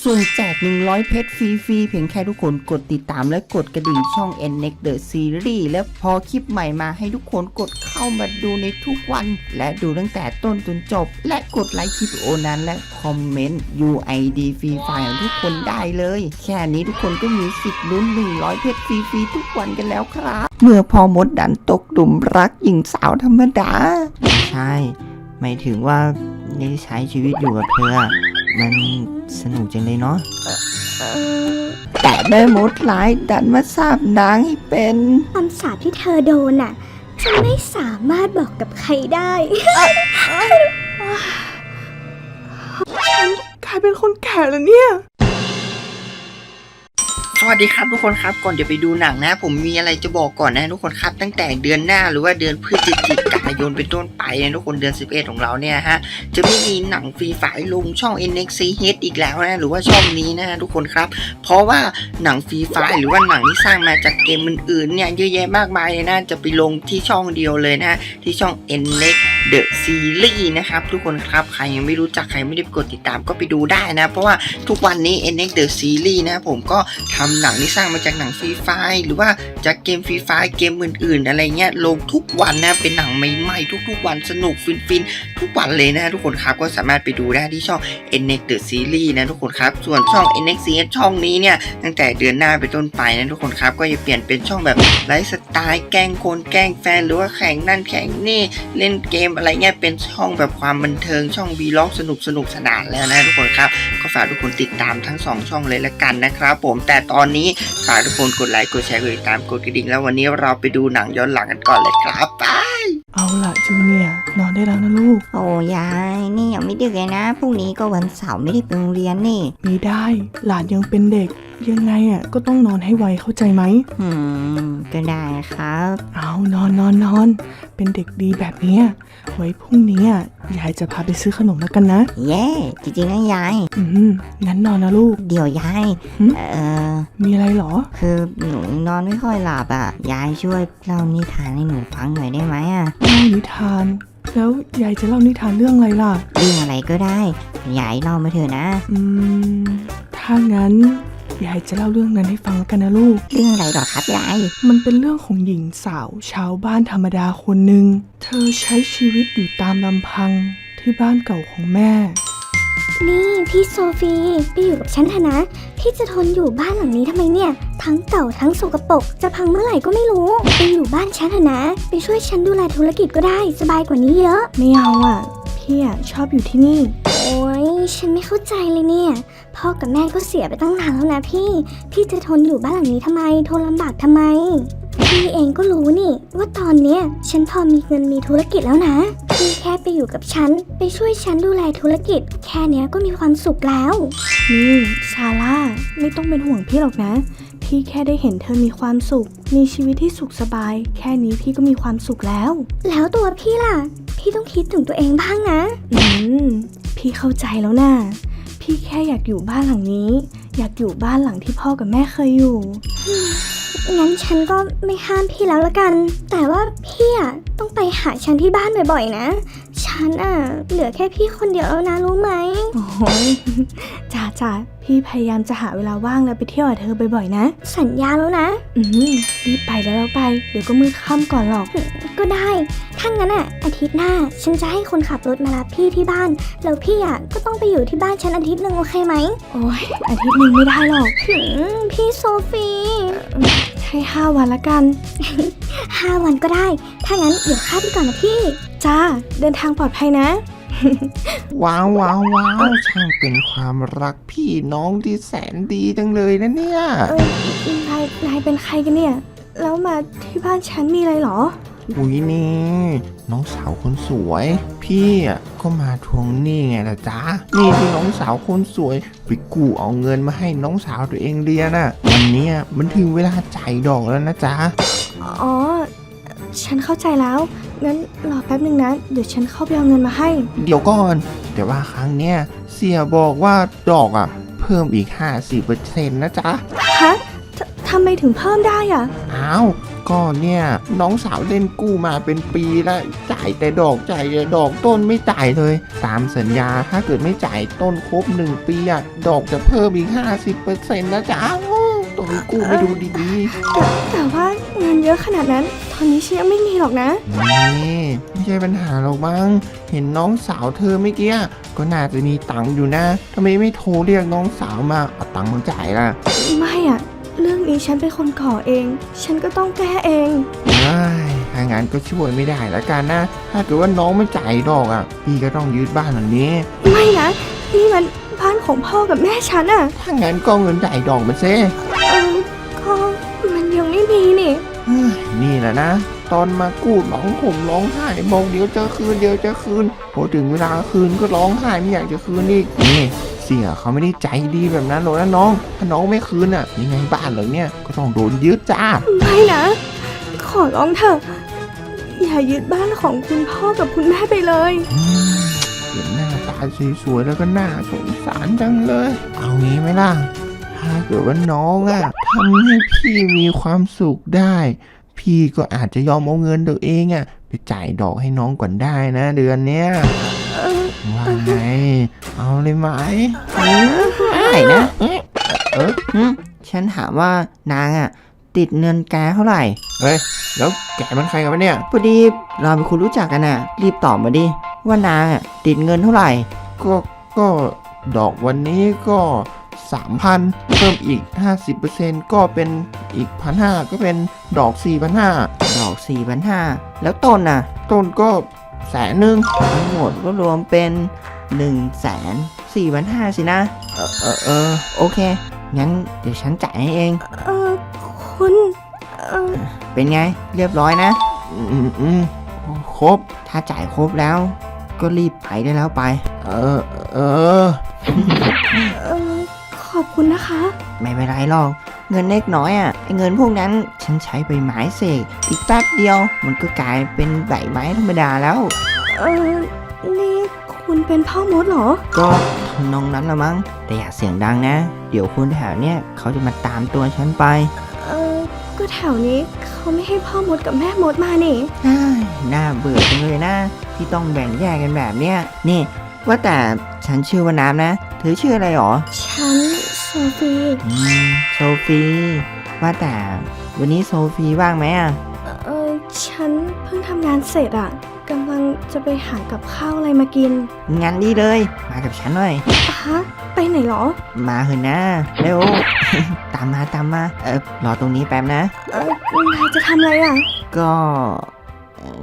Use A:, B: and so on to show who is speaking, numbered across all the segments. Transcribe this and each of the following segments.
A: สุ่มแจก100เพชรฟรีๆเพียงแค่ทุกคนกดติดตามและกดกระดิ่งช่อง NNEXT The Series และพอคลิปใหม่มาให้ทุกคนกดเข้ามาดูในทุกวันและดูตั้งแต่ต้นจนจบและกดไลค์คลิปวิดีโอนั้นและคอมเมนต์ UID ฟรีไฟล์ของทุกคนได้เลยแค่นี้ทุกคนก็มีสิทธิ์ลุ้น100เพชรฟรีๆทุกวันกันแล้วครับเมื่อพอมดดันตกหลุมรักหญิงสาวธรรมดาใช่หมายถึงว่าได้ใช้ชีวิตอยู่กับเธอมันสนุกจังเลยเนาะแต่แม่มดร้ายดันมาสาบนางให้เป็น
B: คำสาปที่เธอโดนน่ะฉันไม่สามารถบอกกับใครได้
C: ฉันกลายเป็นคนแก่แล้วเนี่ย
A: สวัสดีครับทุกคนครับก่อนจะไปดูหนังนะผมมีอะไรจะบอกก่อนนะทุกคนครับตั้งแต่เดือนหน้าหรือว่าเดือนพฤศจิกายนเป็นต้นไปนะทุกคนเดือน11ของเราเนี่ยฮะจะไม่มีหนังฟรีไฟล์ลงช่อง NXCH อีกแล้วนะหรือว่าช่องนี้นะทุกคนครับเพราะว่าหนังฟรีไฟล์หรือว่าหนังที่สร้างมาจากเกมอื่นๆเนี่ยเยอะแยะมากมายเลยนะจะไปลงที่ช่องเดียวเลยนะที่ช่อง NNEXT The Series นะครับทุกคนครับใครยังไม่รู้จักใครไม่ได้กดติดตามก็ไปดูได้นะเพราะว่าทุกวันนี้ NNEXT The Series นะผมก็ทำหนังที่สร้างมาจากหนังฟรีไฟล์หรือว่าจากเกมฟรีไฟล์เกมอื่นๆอะไรเงี้ยลงทุกวันนะเป็นหนังใหม่ๆทุกๆวันสนุกฟินๆทุกวันเลยนะทุกคนครับก็สามารถไปดูได้ที่ช่อง NNEXT The Series นะทุกคนครับส่วนช่อง NXCH ช่องนี้เนี่ยตั้งแต่เดือนหน้าไปต้นไปนะทุกคนครับก็จะเปลี่ยนเป็นช่องแบบไลฟ์สไตล์แกล้งคนแกล้งแฟนหรือว่าแข่งนั่นแข่งนี่เล่นเกมอะไรเงี้ยเป็นช่องแบบความบันเทิงช่องวีล็อกสนุกสนานแล้วนะทุกคนครับก็ฝากทุกคนติดตามทั้ง2ช่องเลยละกันนะครับผมแต่ตอนนี้ฝากทุกคนกดไลค์กดแชร์กดติดตามกดกระดิ่งแล้ววันนี้เราไปดูหนังย้อนหลังกันก่อนเลยครับไป
C: เอาล่ะจูเนียร์นอนได้แล้วนะลูก
B: โอ้ยายนี่ยังไม่ดึกเลยนะพรุ่งนี้ก็วันเสาร์ไม่ได้ไปโรงเรียนนี่
C: ไม่ได้หลานยังเป็นเด็กยังไงก็ต้องนอนให้ไวเข้าใจไหม
B: ก็ได้ครับ
C: เอานอนเป็นเด็กดีแบบนี้ไว้พรุ่งนี้ยายจะพาไปซื้อขนมแล้วกันนะ
B: เย้จริงๆนะยาย
C: งั้นนอนนะลูก
B: เดี๋ยวยาย
C: มีอะไรหรอ
B: คือหนูนอนไม่ค่อยหลับยายช่วยเล่านิทานให้หนูฟังหน่อยได้ไหม
C: เล่านิทานแล้วยายจะเล่านิทานเรื่องอะไรล่ะ
B: เรื่องอะไรก็ได้ยายเล่ามาเถอะนะ
C: ถ้างั้นยายจะเล่าเรื่องนั้นให้ฟังแล้วกันนะลูก
B: เรื่องอะไรหรอครับยาย
C: มันเป็นเรื่องของหญิงสาวชาวบ้านธรรมดาคนหนึ่งเธอใช้ชีวิตอยู่ตามลำพังที่บ้านเก่าของแม่
B: นี่พี่โซฟีไปอยู่กับฉันเถอะนะพี่จะทนอยู่บ้านหลังนี้ทำไมเนี่ยทั้งเก่าทั้งสกปรกจะพังเมื่อไหร่ก็ไม่รู้ไปอยู่บ้านฉันเถอะนะไปช่วยฉันดูแลธุรกิจก็ได้สบายกว่านี้เยอะ
C: ไม่เอาพี่ชอบอยู่ที่นี่
B: โอ้ยฉันไม่เข้าใจเลยเนี่ยพ่อกับแม่ก็เสียไปตั้งนานแล้วนะพี่จะทนอยู่บ้านหลังนี้ทำไมทนลำบากทำไมพี่เองก็รู้นี่ว่าตอนเนี้ยฉันพอมีเงินมีธุรกิจแล้วนะพี่แค่ไปอยู่กับฉันไปช่วยฉันดูแลธุรกิจแค่เนี้ยก็มีความสุขแล้ว
C: นี่ซาร่าไม่ต้องเป็นห่วงพี่หรอกนะพี่แค่ได้เห็นเธอมีความสุขมีชีวิตที่สุขสบายแค่นี้พี่ก็มีความสุขแล้ว
B: ตัวพี่ล่ะพี่ต้องคิดถึงตัวเองบ้างนะ
C: พี่เข้าใจแล้วนะพี่แค่อยากอยู่บ้านหลังนี้อยากอยู่บ้านหลังที่พ่อกับแม่เคยอยู่
B: งั้นฉันก็ไม่ห้ามพี่แล้วละกันแต่ว่าพี่ต้องไปหาฉันที่บ้านบ่อยๆนะฉันเหลือแค่พี่คนเดียวแล้วนะรู้ไหม
C: โอ้ยจ้าพี่พยายามจะหาเวลาว่างแล้วไปเที่ยวกับเธอบ่อยๆนะ
B: สัญญาแล้วนะ
C: รีบไปแล้วไปเดี๋ยวก็มืดค่ำก่อนหรอก
B: ก็ได้ถ้างั้นอาทิตย์หน้าฉันจะให้คนขับรถมารับพี่ที่บ้านแล้วพี่ก็ต้องไปอยู่ที่บ้านฉันอาทิตย์นึงโอเคไหม
C: โอ้ยอาทิตย์นึงไม่ได้หรอก
B: พี่โซฟี
C: ให้5 วันละกัน
B: 5 วันก็ได้ถ้างั้นเดี๋ยวข้าไปก่อนนะพี่
C: จ้าเดินทางปลอดภัยนะ
A: ว้าวช่างเป็นความรักพี่น้องที่แสนดีจังเลยนะเนี่ย
C: นายเป็นใครกันเนี่ยแล้วมาที่บ้านฉันมีอะไรหรอ
A: อุ้ยนี่น้องสาวคนสวยพี่ก็มาทวงหนี้ไงล่ะจ๊ะนี่ที่น้องสาวคนสวยไปกู้เอาเงินมาให้น้องสาวตัวเองเรียนวันนี้มันถึงเวลาจ่ายดอกแล้วนะจ๊ะ
C: อ๋อฉันเข้าใจแล้วงั้นรอแป๊บนึงนะเดี๋ยวฉันเข้าไปเอาเงินมาให้
A: เดี๋ยวก่อนแต่ว่าครั้งเนี้ยเสี่ยบอกว่าดอกเพิ่มอีก 50% นะจ๊ะ
C: ฮะทำำไมถึงเพิ่มได้อ่ะ
D: อ้าวก็เนี่ยน้องสาวเล่นกู้มาเป็นปีแล้วจ่ายแต่ดอกต้นไม่จ่ายเลย ตามสัญญาถ้าเกิดไม่จ่ายต้นครบ1 ปีอะดอกจะเพิ่มอีก 50%นะจ๊ะต้นกู้ไม่ดูดี
C: แต่ว่าเงินเยอะขนาดนั้น ตอนนี้ฉันยังไม่มีหรอกนะ
D: ๆนี่ไม่ใช่ปัญหาหรอกมั้งเห็นน้องสาวเธอเมื่อกี้ก็น่าจะมีตังค์อยู่นะทำไมไม่โทรเรียกน้องสาวมาเอาตังค์มาจ่ายล่ะ
C: ไม่อ่ะ เรื่องนี้ฉันเป็นคนก่อเอง ฉันก็ต้องแก้เอง
D: ถ้างั้นก็ช่วยไม่ได้ละกันนะ ถ้าเกิดว่าน้องไม่จ่ายดอกอ่ะ พี่ก็ต้องยึดบ้านหลังนี้
C: ไม่นะ นี่มันบ้านของพ่อกับแม่ฉันอ่ะ
D: ถ้างั้นก็เอาเงินจ่ายดอกมาเซ่
C: ก็มันยังไม่มีนี่
D: นี่แหละนะ ตอนมากู้ร้องห่มร้องไห้บอกเดี๋ยวจะคืนพอถึงเวลาคืนก็ร้องไห้ไม่อยากจะคืนอีกนี่เสียเขาไม่ได้ใจดีแบบนั้นหรอกนะน้อง ถ้าน้องไม่คืนอ่ะยังไงบ้านหลังเนี้ยก็ต้องโดนยึดจ้า
C: ไม่นะ ขอร้องเถอะ อย่ายึดบ้านของคุณพ่อกับคุณแม่ไปเลย
D: เห็นหน้าตาสวยๆแล้วก็น่าสงสารจังเลย เอางี้ไหมล่ะ ถ้าเกิดว่าน้องอะทำให้พี่มีความสุขได้ พี่ก็อาจจะยอมเอาเงินตัวเองอะไปจ่ายดอกให้น้องก่อนได้นะ เดือนเนี้ยว่าไง เอาเลยไหม
A: ได้นะฉันถามว่านางอ่ะติดเงินแกเท่าไหร่
D: เฮ้ย แล้วแกมันใครกันวะเนี่ย
A: พอดีเราเป็นคนรู้จักกันน่ะ รีบตอบมาดิว่านางอ่ะติดเงินเท่าไหร่
D: ก็ดอกวันนี้ก็ 3,000 เพิ่มอีก 50%ก็เป็นอีก 1,500 ก็เป็นดอก 4,500
A: ดอก 4,500 แล้วต้นน่ะ
D: ต้นก็100,000
A: ทั้งหมดก็รวมเป็น 104,500สินะ โอเค งั้นเดี๋ยวฉันจ่ายให้เอง
C: คุณ
A: เป็นไง เรียบร้อยนะ
D: อืมครบ
A: ถ้าจ่ายครบแล้ว ก็รีบไปได้แล้วไป
D: เออ
C: ขอบคุณนะคะ
A: ไม่เป็นไรหรอก เงินเล็กน้อยอ่ะไอเงินพวกนั้นฉันใช้ใบไม้เสกอีกแป๊บเดียว มันก็กลายเป็นใบไม้ธรรมดาแล้ว
C: นี่คุณเป็นพ่อมดเหรอ
A: ก็ทำนองนั้นละมั้ง แต่อย่าเสียงดังนะ เดี๋ยวคนแถวเนี้ยเขาจะมาตามตัวฉันไป
C: ก็แถวนี้เขาไม่ให้พ่อมดกับแม่มดมานี่
A: อ้ายน่าเบื่อจังเลยนะ ที่ต้องแบ่งแยกกันแบบเนี้ยนี่ ว่าแต่ฉันชื่อว่าน้ำนะ เธอชื่ออะไรหรอ
C: ฉันโซฟี
A: โซฟี ว่าแต่วันนี้โซฟีว่างไหมอ่ะ
C: ฉันเพิ่งทำงานเสร็จอะกำลังจะไปหากับข้าวอะไรมากิน
A: งั้นดีเลย มากับฉันหน่อย
C: ฮะ ไปไหนเหรอ
A: มาเถอะนะ เร็ว ตามมา รอตรงนี้แป๊บนะ
C: นายจะทำอะไรอะ
A: ก็เอ่อ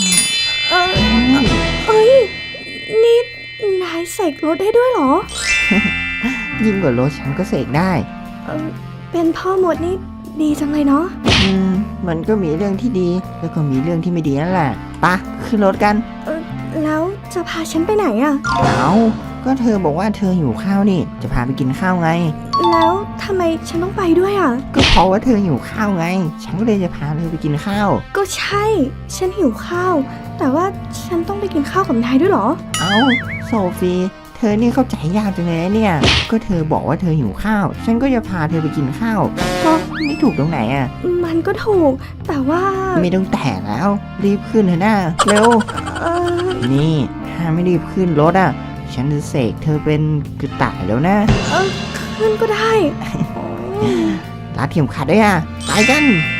C: เอ้ย นี่นายเสกรถได้ด้วยเหรอ
A: ยิ่งกว่ารถฉันก็เสกได้
C: เป็นพ่อมดนี่ดีจังเลยเนาะ
A: มันก็มีเรื่องที่ดี แล้วก็มีเรื่องที่ไม่ดีนั่นแหละปะขึ้นรถกัน
C: แล้วจะพาฉันไปไหนอะ
A: เอาก็เธอบอกว่าเธอหิวข้าวนี่ จะพาไปกินข้าวไง
C: แล้วทำไมฉันต้องไปด้วยอะ
A: ก็เพราะว่าเธอหิวข้าวไง ฉันก็เลยจะพาเธอไปกินข้าว
C: ก็ใช่ ฉันหิวข้าว แต่ว่าฉันต้องไปกินข้าวกับนายด้วยเหรอ
A: เอาโซฟี เธอนี่เข้าใจยากจังเลยนะเนี่ย ก็เธอบอกว่าเธอหิวข้าว ฉันก็จะพาเธอไปกินข้าว ก็ไม่ถูกตรงไหนอ่ะ
C: มันก็ถูก แต่ว่า
A: ไม่ต้องแต่แล้ว รีบขึ้นเถอะนะเร็ว
C: เออ
A: นี่ ถ้าไม่รีบขึ้นรถอ่ะ ฉันจะเสกเธอเป็นกระต่ายแล้วนะ
C: ขึ้นก็ได้
A: รัดเข็มขัดด้วยอ่ะ ไปกัน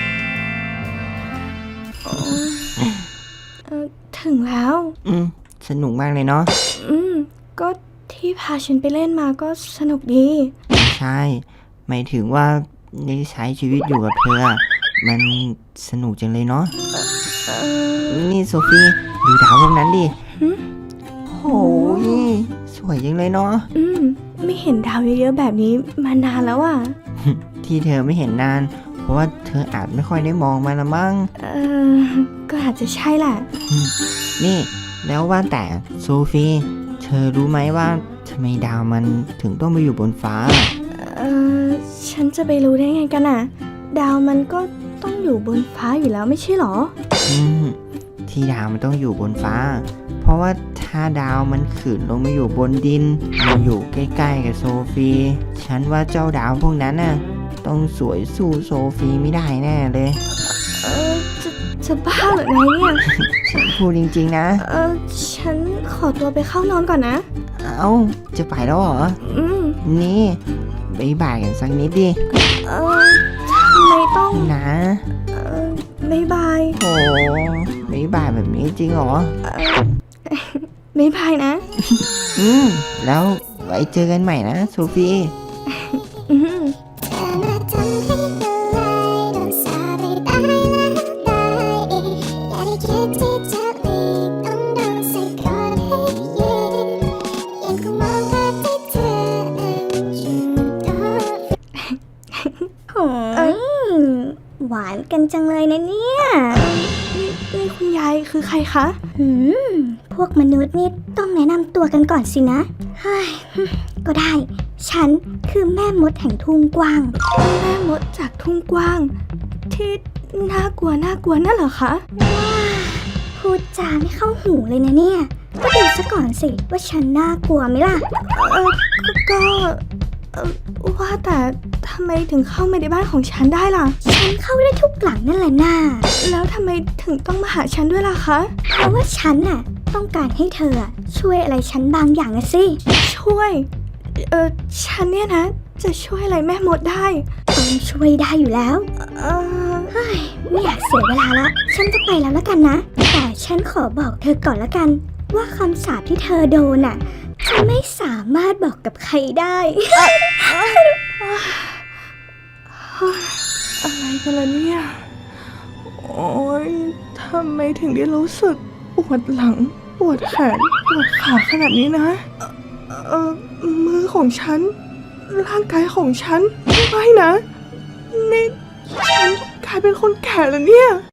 C: ถึงแล้ว
A: สนุกมากเลยเนาะ
C: ก็ที่พาฉันไปเล่นมาก็สนุกดี
A: ไม่ใช่ หมายถึงว่าได้ใช้ชีวิตอยู่กับเธออะมันสนุกจังเลยเนาะ นี่โซฟีดูดาวพวกนั้นดิ
C: หึ
A: โอ้ยสวยจังเลยเนาะ
C: ไม่เห็นดาวเยอะๆแบบนี้มานานแล้วอ่ะ
A: ที่เธอไม่เห็นนาน เพราะว่าเธออาจไม่ค่อยได้มองมันละมั้ง
C: ก็อาจจะใช่แหละ
A: นี่แล้วว่าแต่โซฟีเธอรู้ไหมว่าทำไมดาวมันถึงต้องไปอยู่บนฟ้า
C: ฉันจะไปรู้ได้ไงกันอ่ะ ดาวมันก็ต้องอยู่บนฟ้าอยู่แล้วไม่ใช่หรอ
A: ที่ดาวมันต้องอยู่บนฟ้า เพราะว่าถ้าดาวมันขืนลงมาอยู่บนดินมาอยู่ใกล้ๆกับโซฟีฉันว่าเจ้าดาวพวกนั้นน่ะต้องสวยสู้โซฟีไม่ได้แน่เลย
C: เออจะบ้าเหรอนายเนี่ย
A: ฉันพูดจริงๆนะ
C: ฉันขอตัวไปเข้านอนก่อนนะ
A: เอ้าจะไปแล้วเหรอ นี่บ๊ายบายกันสักนิดดิ
C: ทำไมต้อง
A: นะ
C: บ๊ายบาย
A: โอ้บ๊ายบายแบบนี้จริงเหรอ
C: บ๊ายบายนะ
A: แล้วไว้เจอกันใหม่นะโซฟี
C: อืม
B: เธอมาทำให้ละลายโดนสาปให้ตายและตายอีกอย่าได้คิดที่จะหลีกต้องโดนใส่กรอนให้ยืนยังคงมองภาพที่เธอนั้นอยู่ตรงโอ้ยหวานกันจังเลยนะเนี่ย
C: นี่คุณยายคือใครคะ
B: พวกมนุษย์นี่ต้องแนะนำตัวกันก่อนสินะเฮ้ยก็ได้ ฉันคือแม่มดแห่งทุ่งกว้าง
C: แม่มดจากทุ่งกว้าง ที่น่ากลัวนั่นเหรอคะ
B: พูดจาไม่เข้าหูเลยนะเนี่ย ก็ดูซะก่อนสิว่าฉันน่ากลัวไหมล่ะ
C: ก็ว่าแต่ทำไมถึงเข้ามาในบ้านของฉันได้ล่ะ
B: ฉันเข้าได้ทุกหลังนั่นแหละน่า
C: แล้วทำไมถึงต้องมาหาฉันด้วยล่ะคะ
B: เพราะว่าฉันน่ะต้องการให้เธอช่วยอะไรฉันบางอย่างนะสิ
C: ช่วย ฉันเนี่ยนะ จะช่วยอะไรแม่มดได้
B: ต้องช่วยได้อยู่แล้ว เฮ้ยไม่อยากเสียเวลาละฉันจะไปแล้วละกันนะ แต่ฉันขอบอกเธอก่อนละกัน ว่าคำสาปที่เธอโดนน่ะฉันไม่สามารถบอกกับใครได้
C: อะไรกันล่ะเนี่ย โอ๊ยทำไมถึงได้รู้สึกปวดหลัง ปวดแขน ปวดขาขนาดนี้นะ มือของฉัน ร่างกายของฉัน ไม่นะ นี่ฉันกลายเป็นคนแก่แล้วเนี่ย